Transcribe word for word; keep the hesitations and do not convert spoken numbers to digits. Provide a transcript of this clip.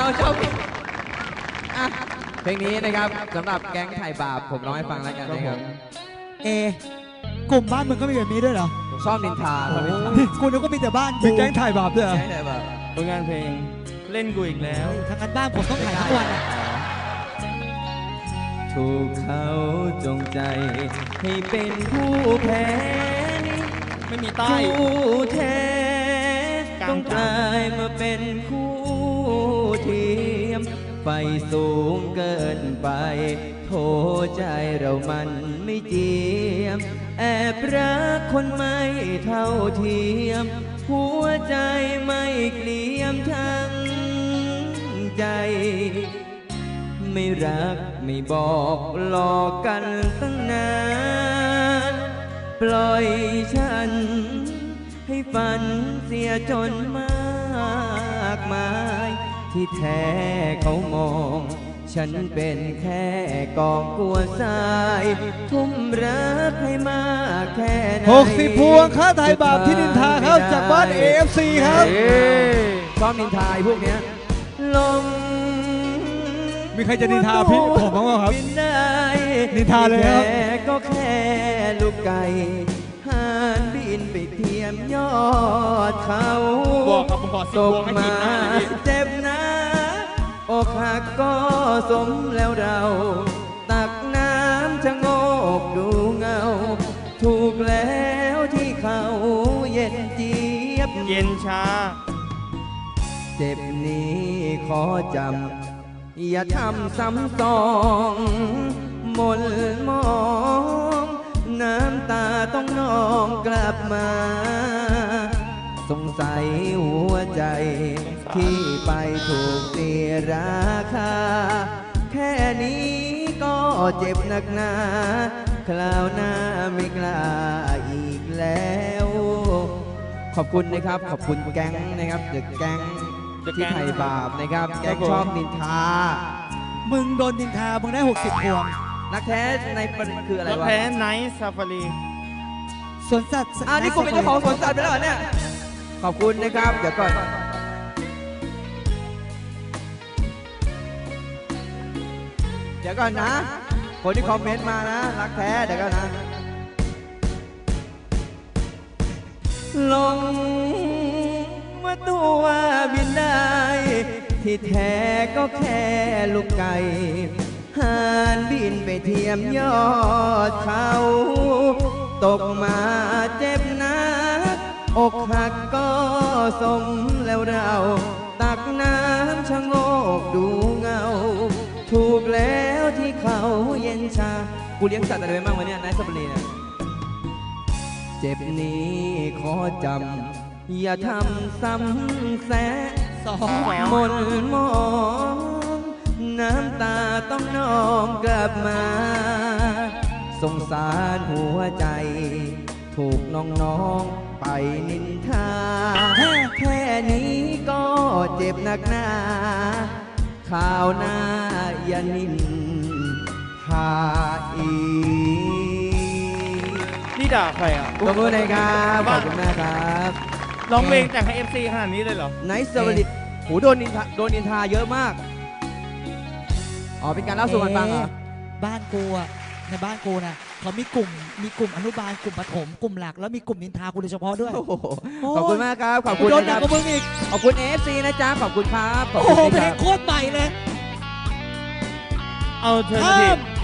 ชอบเพลงนี้นะครับสำหรับแก๊งไถ่บาปผมร้องให้ฟังแล้วกันนะครับเอกลุ่มบ้านมึงก็มีแบบนี้ด้วยเหรอชอบนินทากูนึกว่ามีแต่บ้านมีแก๊งถ่ายบาปด้วยเหรอผลงานเพลงเล่นกูอีกแล้วทางการบ้านผมต้องถ่ายทั้งวันอ่ะถูกเขาจงใจให้เป็นผู้แพ้ไม่มีใต้ผู้แท้ต้องกลายมาเป็นคู่เทียมไฟสูงเกินไปโทใจเรามันไม่เจียมแอบรักคนไม่เท่าเทียมหัวใจไม่เกลียมทั้งใจไม่รักไม่บอกหลอกกันตั้งนานปล่อยฉันให้ฝันเสียจนมากมายที่แท้เขามองฉันเป็นแค่กองกลัวทรายทุ่มรักให้มากแค่ไหนหกสิบพวงค่าไถ่บาปที่นินทาเข้าจากบ้าน เอ เอฟ ซี ครับชอบนินทาพวกเนี้ยลงมีใครจะนินทาพี่ผมบ้างไหมครับนินทาเลยครับก็แค่ลูกไก่หานบินไปเทียมยอดเขาบอกครับผมขอสิบพวงให้ทีมหน้าเจ็บนะอกหักก็สมแล้วเราตักน้ำชะโงกดูเงาถูกแล้วที่เขาเย็นเจี๊ยบเย็นชาเจ็บนี้ขอจำอย่าทำซ้ำสองหม่นมองน้ำตาต้องนองกลับมาสงสัยหัวใจที่ไปถูกเสียราคาแค่นี้ก็เจ็บหนักหนาคราวหน้าไม่กล้าอีกแล้วขอบคุณนะครับขอบคุณแก๊งนะครับเดอะแก๊งที่ไถ่บาปนะครับแก๊งชอบนินทามึงโดนนินทามึงได้หกสิบพวงนักแท้ในประเด็นคืออะไรวะนักแท้ไนท์ซาฟารีสวนสัตว์อ่านี่กูเป็นเจ้าของสวนสัตว์ไปแล้วเนี่ยขอบคุณนะครับเดี๋ยวก่อนเดี๋ยวก่อนนะคนที่คอมเมนต์มานะรักแท้เดี๋ยวก่อนนะลงมาตัวบินได้ที่แท้ก็แค่ลูกไก่หานบินไปเทียมยอดเขาตกมาเจ็บนักอกหักก็สมแล้วเราตักน้ำชะโงกดูเงาถูกแล้วที่เขาเย็นชากูเลี้ยงสัตว์อะไรไปบ้างวะเนี่ยนายสับปะรดเนี่ยเจ็บนี้ขอจำอย่าทำซ้ำแสะสองมนมองน้ำตาต้องนองกลับมาสงสารหัวใจถูกน้องๆไปนินทาแค่นี้ก็เจ็บหนักหนาข่าวหน้าอย่านินทาอีนี่ด่าใครอ่ะขอบคุณนะครับขอบคุณมากครับร้องเพลงแต่งให้ เอฟ ซี ขนาดนี้เลยเหรอไนท์สวัสดีโหโดนนินทาโดนนินทาเยอะมากอ๋อเป็นการเล่าสู่กันฟังเหรอบ้านกูอ่ะในบ้านกูนะเขามีกลุ่มมีกลุ่มอนุบาลกลุ่มประถมกลุ่มหลักแล้วมีกลุ่มนินทากูโดยเฉพาะด้วยขอบคุณมากครับขอบคุณโดนหนักกว่ามึงอีกขอบคุณ เอ ฟ ซี นะจ๊ะขอบคุณครับโอ้โหเพลงโคตรใหม่เลยเอาเธอที